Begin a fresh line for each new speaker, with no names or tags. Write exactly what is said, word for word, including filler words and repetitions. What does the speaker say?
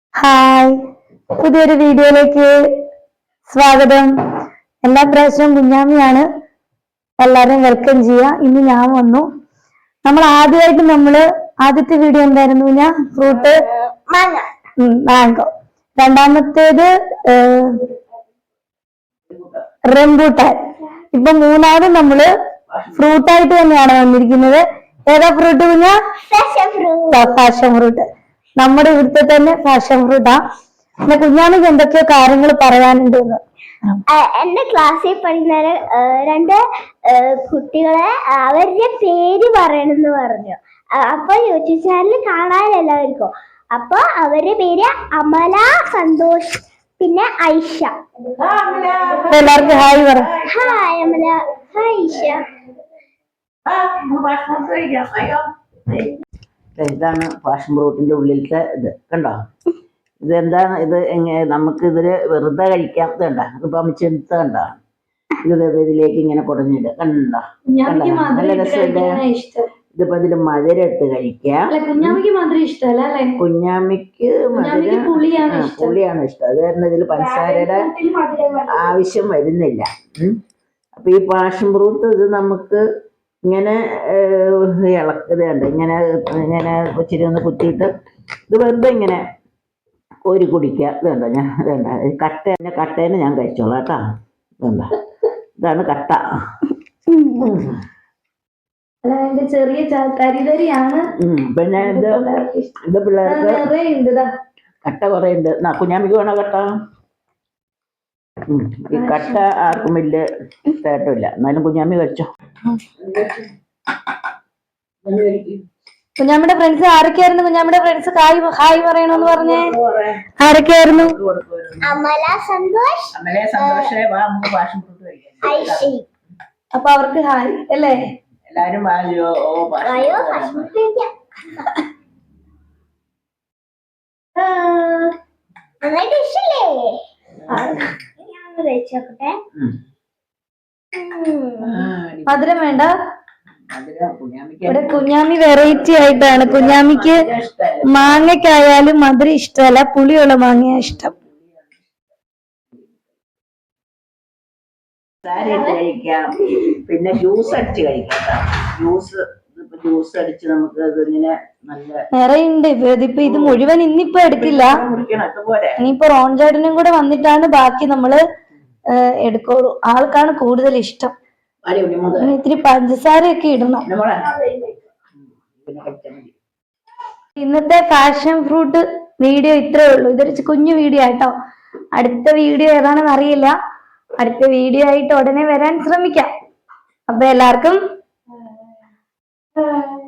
Hi, പുതിയൊരു വീഡിയോയിലേക്ക് സ്വാഗതം. എല്ലാ പ്രാവശ്യവും കുഞ്ഞാമിയാണ് എല്ലാവരും വെൽക്കം ചെയ്യുക. ഇന്ന് ഞാൻ വന്നു. നമ്മൾ ആദ്യമായിട്ട് നമ്മള് ആദ്യത്തെ വീഡിയോ എന്തായിരുന്നു? ഞാൻ ഫ്രൂട്ട് മാംഗോ, രണ്ടാമത്തേത് റംബൂട്ടാൻ. ഇപ്പൊ മൂന്നാമത് നമ്മള് ഫ്രൂട്ടായിട്ട് തന്നെയാണ് വന്നിരിക്കുന്നത്. ഏതാ ഫ്രൂട്ട് കുഞ്ഞാ? Passion fruit. നമ്മുടെ ഇവിടുത്തെ തന്നെ പാഷൻ ഫ്രൂട്ടാ. പിന്നെ കുഞ്ഞാമിക്ക് എന്തൊക്കെയോ കാര്യങ്ങൾ പറയാനുണ്ട്.
എന്റെ ക്ലാസ്സിൽ പഠിക്കുന്ന രണ്ട് കുട്ടികളെ അവരുടെ പേര് പറയണമെന്ന് പറഞ്ഞു. അപ്പൊ യൂട്യൂബ് ചാനൽ കാണാൻ എല്ലാവർക്കും. അപ്പൊ അവരുടെ പേര് അമല, സന്തോഷ്, പിന്നെ ഐഷ.
എല്ലാവർക്കും ഹായ് പറ.
Hi Amala, hi Aisha.
ഇതാണ് പാഷൻ ഫ്രൂട്ടിന്റെ ഉള്ളിലത്തെ ഇത് കണ്ടോ? ഇതെന്താണ് ഇത്? എങ്ങനെ നമുക്ക് ഇതില് വെറുതെ കഴിക്കാം. ഇത് കണ്ട, ഇതിപ്പോ അമിച്ചെടുത്ത കണ്ട, ഇത് ഇതിലേക്ക് ഇങ്ങനെ കുടഞ്ഞിട്ട് കണ്ടോ? നല്ല രസമുണ്ട്. ഇതിപ്പോ ഇതില് മധുരം ഇട്ട് കഴിക്കാം.
കുഞ്ഞാമിക്ക് മധുരം ഇഷ്ടമല്ല.
കുഞ്ഞാമിക്ക് മധുരം പുളിയാണ് ഇഷ്ടം. അത് കാരണം ഇതിൽ പഞ്ചസാരയുടെ ആവശ്യം വരുന്നില്ല. അപ്പൊ ഈ പാഷൻ ഫ്രൂട്ട് ഇത് നമുക്ക് ഇങ്ങനെ ഇളക്കത് കണ്ട് ഇങ്ങനെ ഇങ്ങനെ ഇച്ചിരി ഒന്ന് കുത്തിയിട്ട് ഇത് വെറുതെ ഇങ്ങനെ കോരി കുടിക്കുക. ഇത് കണ്ടോ? ഞാൻ ഇതണ്ട കട്ട കട്ടേനെ ഞാൻ കഴിച്ചോളാം കേട്ടോ. ഇതണ്ട, ഇതാണ് കട്ട.
ചെറിയ തരിതരിയാണ്.
പിന്നെ ഇത് ഇത് പിള്ളേർക്ക് കട്ട കുറെ ഉണ്ട്. കുഞ്ഞാമിക്ക് വേണോ കട്ട? ഈ കട്ട ആർക്കും വലിയ ഇഷ്ടമായിട്ടില്ല. എന്നാലും കുഞ്ഞാമി കഴിച്ചോ.
കുഞ്ഞാമിയുടെ ഫ്രണ്ട്സ് ആരൊക്കെയായിരുന്നു? കുഞ്ഞാമിയുടെ ഫ്രണ്ട്സ് ഹായ് ഹായ് പറയണമെന്ന് പറഞ്ഞേ. ആരൊക്കെയായിരുന്നു?
അമല, സന്തോഷ്,
അപ്പൊ അവർക്ക് ഹായ് അല്ലേ?
എല്ലാരും വായോ
മധുരം വേണ്ട. ഇവിടെ കുഞ്ഞാമി വെറൈറ്റി ആയിട്ടാണ്. കുഞ്ഞാമിക്ക് മാങ്ങയ്ക്കായാലും മധുരം ഇഷ്ടമല്ല, പുളിയുള്ള മാങ്ങയാ ഇഷ്ടം.
കഴിക്കാം. പിന്നെ ജ്യൂസ് അടിച്ച് കഴിക്കാം. ജ്യൂസ് ജ്യൂസ് അടിച്ച് നമുക്ക് ഇതിങ്ങനെ നല്ല
നിറയുണ്ട്. ഇതിപ്പോ ഇത് മുഴുവൻ ഇന്നിപ്പോ എടുക്കില്ല. ഇനിയിപ്പോ റോൺ ചേട്ടനും കൂടെ വന്നിട്ടാണ് ബാക്കി നമ്മള് എടുക്കുള്ളൂ. ആൾക്കാണ് കൂടുതൽ ഇഷ്ടം. ഇത്തിരി പഞ്ചസാരയൊക്കെ ഇടണം. ഇന്നത്തെ പാഷൻ ഫ്രൂട്ട് വീഡിയോ ഇത്രേ ഉള്ളൂ. ഇതൊരു കുഞ്ഞു വീഡിയോ ആട്ടോ. അടുത്ത വീഡിയോ ഏതാണെന്ന് അറിയില്ല. അടുത്ത വീഡിയോ ആയിട്ട് ഉടനെ വരാൻ ശ്രമിക്കാം. അപ്പൊ എല്ലാവർക്കും